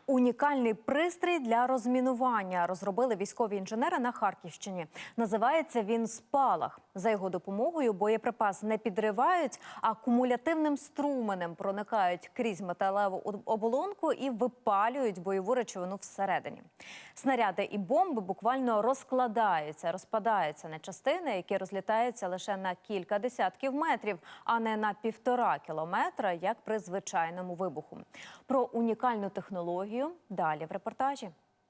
Унікальний пристрій для розмінування розробили військові інженери на Харківщині. Називається він «Спалах». За його допомогою боєприпас не підривають, а кумулятивним струменем проникають крізь металеву оболонку і випалюють бойову речовину всередині. Снаряди і бомби буквально розпадаються на частини, які розлітаються лише на кілька десятків метрів, а не на 1,5 кілометра, як при звичайному вибуху. Про унікальну технологію далі в репортажі.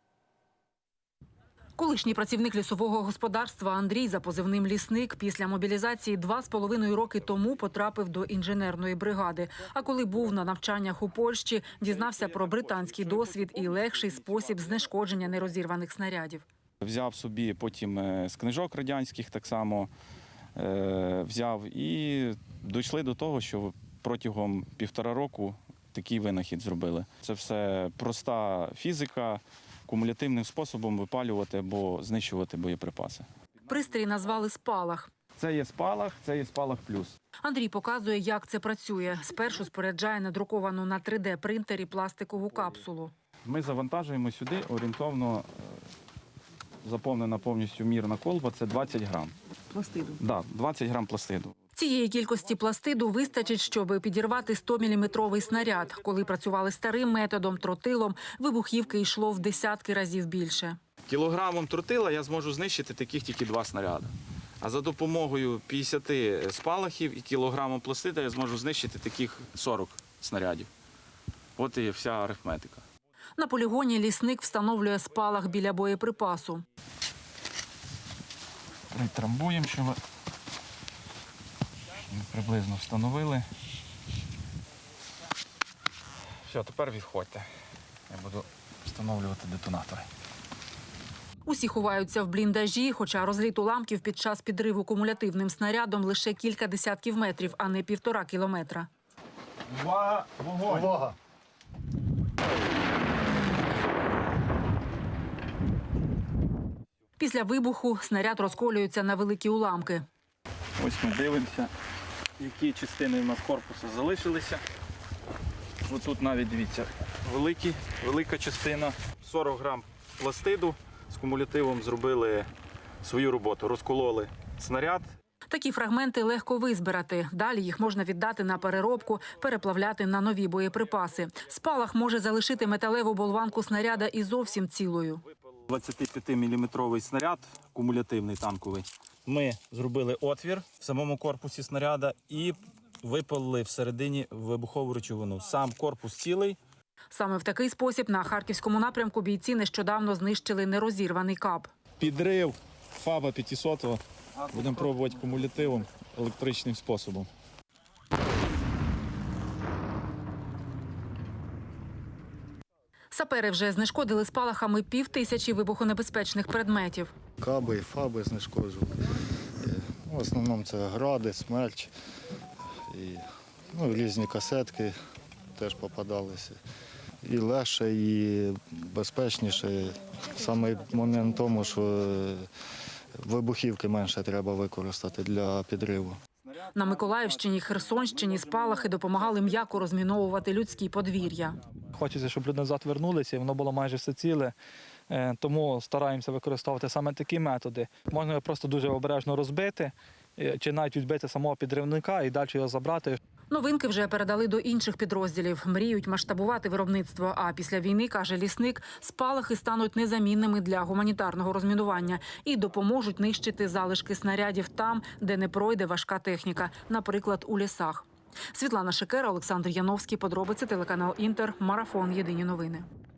Колишній працівник лісового господарства Андрій за позивним «Лісник» після мобілізації 2,5 роки тому потрапив до інженерної бригади. А коли був на навчаннях у Польщі, дізнався про британський досвід і легший спосіб знешкодження нерозірваних снарядів. Взяв собі потім з книжок радянських так само взяв і дійшли до того, що протягом 1,5 року такий винахід зробили. Це все проста фізика, кумулятивним способом випалювати або знищувати боєприпаси. Пристрій назвали «Спалах». Це є спалах, це є спалах плюс. Андрій показує, як це працює. Спершу споряджає надруковану на 3D-принтері пластикову капсулу. Ми завантажуємо сюди орієнтовно, заповнена повністю мірна колба, це 20 грам. Пластиду? Так, 20 грам пластиду. Цієї кількості пластиду вистачить, щоб підірвати 100-міліметровий снаряд. Коли працювали старим методом, тротилом, вибухівки йшло в десятки разів більше. Кілограмом тротила я зможу знищити таких тільки 2 снаряди. А за допомогою 50 спалахів і кілограмом пластида я зможу знищити таких 40 снарядів. От і вся арифметика. На полігоні лісник встановлює спалах біля боєприпасу. Притрамбуємо, щоб приблизно встановили. Все, тепер відходьте. Я буду встановлювати детонатори. Усі ховаються в бліндажі, хоча розліт уламків під час підриву кумулятивним снарядом лише кілька десятків метрів, а не 1,5 кілометра. Увага! Вогонь! Увага! Після вибуху снаряд розколюється на великі уламки. Ось ми дивимося, які частини в нас корпусу залишилися. Ось тут навіть, дивіться, велика частина. 40 грам пластиду з кумулятивом зробили свою роботу. Розкололи снаряд. Такі фрагменти легко визбирати. Далі їх можна віддати на переробку, переплавляти на нові боєприпаси. Спалах може залишити металеву болванку снаряда і зовсім цілою. 25-мм снаряд, кумулятивний танковий. Ми зробили отвір в самому корпусі снаряда і випалили всередині вибухову речовину. Сам корпус цілий. Саме в такий спосіб на Харківському напрямку бійці нещодавно знищили нерозірваний каб. Підрив ФАБа 500 будемо пробувати кумулятивом, електричним способом. Сапери вже знешкодили спалахами 5000 вибухонебезпечних предметів. Каби і фаби знешкоджували. В основному це гради, смерч, і, різні касетки теж попадалися. І легше, і безпечніше. Саме момент в тому, що вибухівки менше треба використати для підриву. На Миколаївщині, Херсонщині спалахи допомагали м'яко розміновувати людські подвір'я. Хочеться, щоб люди назад вернулися, і воно було майже все ціле. Тому стараємося використовувати саме такі методи. Можна його просто дуже обережно розбити, чи навіть відбити самого підривника і далі його забрати. Новинки вже передали до інших підрозділів. Мріють масштабувати виробництво. А після війни, каже лісник, спалахи стануть незамінними для гуманітарного розмінування і допоможуть нищити залишки снарядів там, де не пройде важка техніка, наприклад, у лісах. Світлана Шикера, Олександр Яновський. Подробиці, телеканал «Інтер», Марафон. Єдині новини.